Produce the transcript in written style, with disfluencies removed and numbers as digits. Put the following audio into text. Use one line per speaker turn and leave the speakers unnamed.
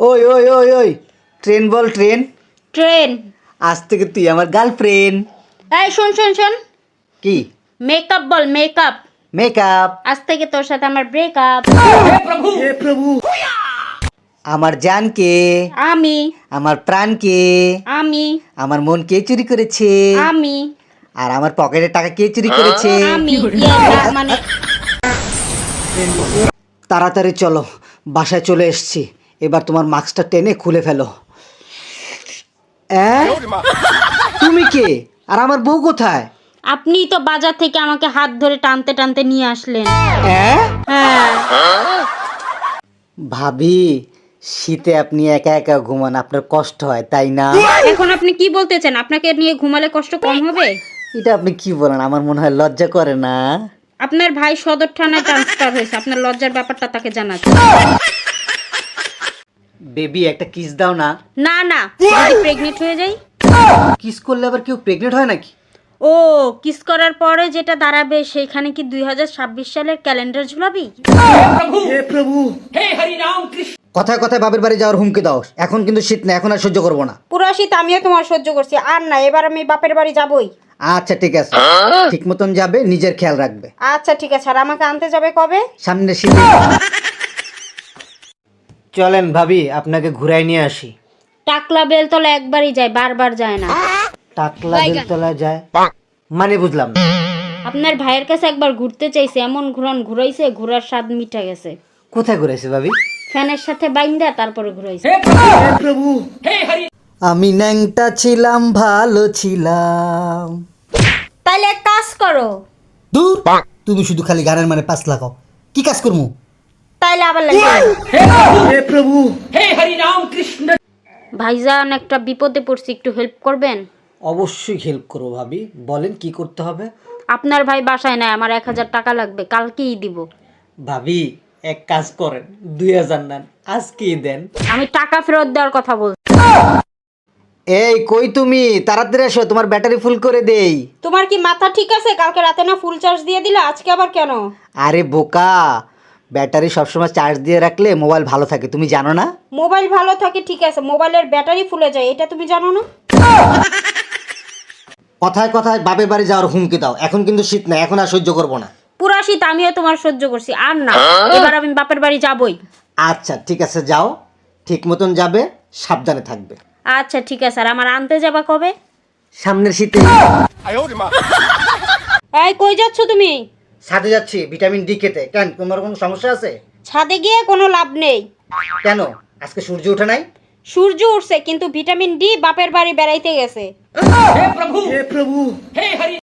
ওই ওই ওই ওই ট্রেন বল ট্রেন।
ট্রেন।
আজ থেকে তুই আমার গার্লফ্রেন্ড।
এই শোন শোন শোন,
কি?
মেকআপ বল মেকআপ।
মেকআপ।
আজ থেকে তোর সাথে আমার ব্রেকআপ।
হে প্রভু। আমার জান কে?
আমি।
আমার প্রাণ কে?
আমি।
আমার মন কে চুরি করেছে?
আমি।
আর আমার পকেটের টাকা কে চুরি করেছে?
আমি। মানে
তাড়াতাড়ি চলো, বাসায় চলে এসেছি। এবার তোমার মাস্কটা টেনে খুলে ফেলো। তুমি কে? আর আমার বউ কোথায়?
আপনি তো বাজার থেকে আমাকে হাত ধরে টানতে টানতে নিয়ে আসলেন।
হ্যাঁ
হ্যাঁ।
ভাবি, শীতে আপনি একা একা ঘুমান, আপনার কষ্ট হয় তাই না?
এখন আপনি কি বলতে চান? আপনাকে নিয়ে ঘুমালে কষ্ট কম হবে?
এটা আপনি কি বলেন? আমার মনে হয় লজ্জা করে না?
আপনার ভাই সদর থানায় ট্রান্সফার হয়েছে, আপনার লজ্জার ব্যাপারটা তাকে জানাচ্ছে।
বেবি একটা কিস দাও না।
না না, যদি প্রেগনেন্ট হয়ে যাই?
কিস করলে আবার কেউ প্রেগনেন্ট হয় নাকি?
ও, কিস করার পরে যেটা দাঁড়াবে সেখানে কি 2026 সালের ক্যালেন্ডার ঝুলাবি?
হে প্রভু, হে হরি রাম কৃষ্ণ। কথায় কথায় বাপের বাড়ি যাওয়ার হুমকি দাও। এখন কিন্তু শীত না, এখন আর সহ্য করবো না।
পুরো শীত আমিও তোমার সহ্য করছি, আর না, এবার আমি বাপের বাড়ি যাবই।
আচ্ছা ঠিক আছে, ঠিক মতন যাবে, নিজের খেয়াল রাখবে।
আচ্ছা ঠিক আছে। আর আমাকে আনতে যাবে কবে?
সামনে শীতে। চলেন ভাবি, আপনাকে ঘুরাই নিয়ে আসি।
টাকলা বেলতলা একবারই যায়, বারবার যায় না।
টাকলা বেলতলা যায় মানে বুঝলাম না।
আপনার ভাইয়ের কাছে একবার ঘুরতে চাইছে, এমন ঘুরাইছে, ঘোরার স্বাদ মিটা গেছে।
কোথায় ঘুরাইছে ভাবি?
ফ্যানের সাথে বাইন্দা তারপরে ঘুরাইছে।
আমি ন্যাংটা ছিলাম, ভালো ছিলাম।
তাইলে এক কাজ করো।
দূর, তুমি শুধু খালি গানের মানে পাস লাগাও। কি কাজ করবো?
তাইলে আবার লাগে।
হে প্রভু,
ভাইজান একটা বিপদে পড়ছি, একটু হেল্প করবেন?
অবশ্যই হেল্প করবো ভাবি, বলেন কি করতে হবে।
আপনার ভাই বাসায় নাই, আমার 1000 টাকা লাগবে, কালকেই দিব।
ভাবি এক কাজ করেন, 2000 নেন, আজকেই দেন।
আমি টাকা ফেরত দেওয়ার কথা বলছি।
এই কই তুমি? তাড়াতাড়ি এসো, তোমার ব্যাটারি ফুল করে দেই।
তোমার কি মাথা ঠিক আছে? কালকে রাতে না ফুল চার্জ দিয়ে দিলে, আজকে আবার কেন?
আরে বোকা, ব্যাটারি সবসময় চার্জ দিয়ে রাখলে মোবাইল ভালো থাকে, তুমি জানো না?
মোবাইল ভালো থাকে ঠিক আছে, মোবাইলের ব্যাটারি ফুলে যায়, এটা তুমি জানো না?
কথায় কথায় বাপের বাড়ি যাওয়ার হুমকি দাও। এখন কিন্তু শীত না, এখন আর সহ্য করবো না।
পুরা শীত আমিও তোমার সহ্য করছি, আর না, এবার আমি বাপের বাড়ি যাবই।
আচ্ছা ঠিক আছে, যাও, ঠিক মতন যাবে, সাবধানে থাকবে।
আচ্ছা ঠিক আছে। আর আমার আনতে যাবা কবে?
সামনের শীতে।
এই কই যাচ্ছ তুমি?
ছাদে যাচ্ছি ভিটামিন ডি খেতে। কেন, তোমার কোনো সমস্যা আছে?
ছাদে গিয়ে কোনো লাভ নেই।
কেন, আজকে সূর্য ওঠে নাই?
সূর্য উঠছে, কিন্তু ভিটামিন ডি বাপের বাড়ি বেড়াইতে গেছে।
হে প্রভু, হে প্রভু, হে হরি।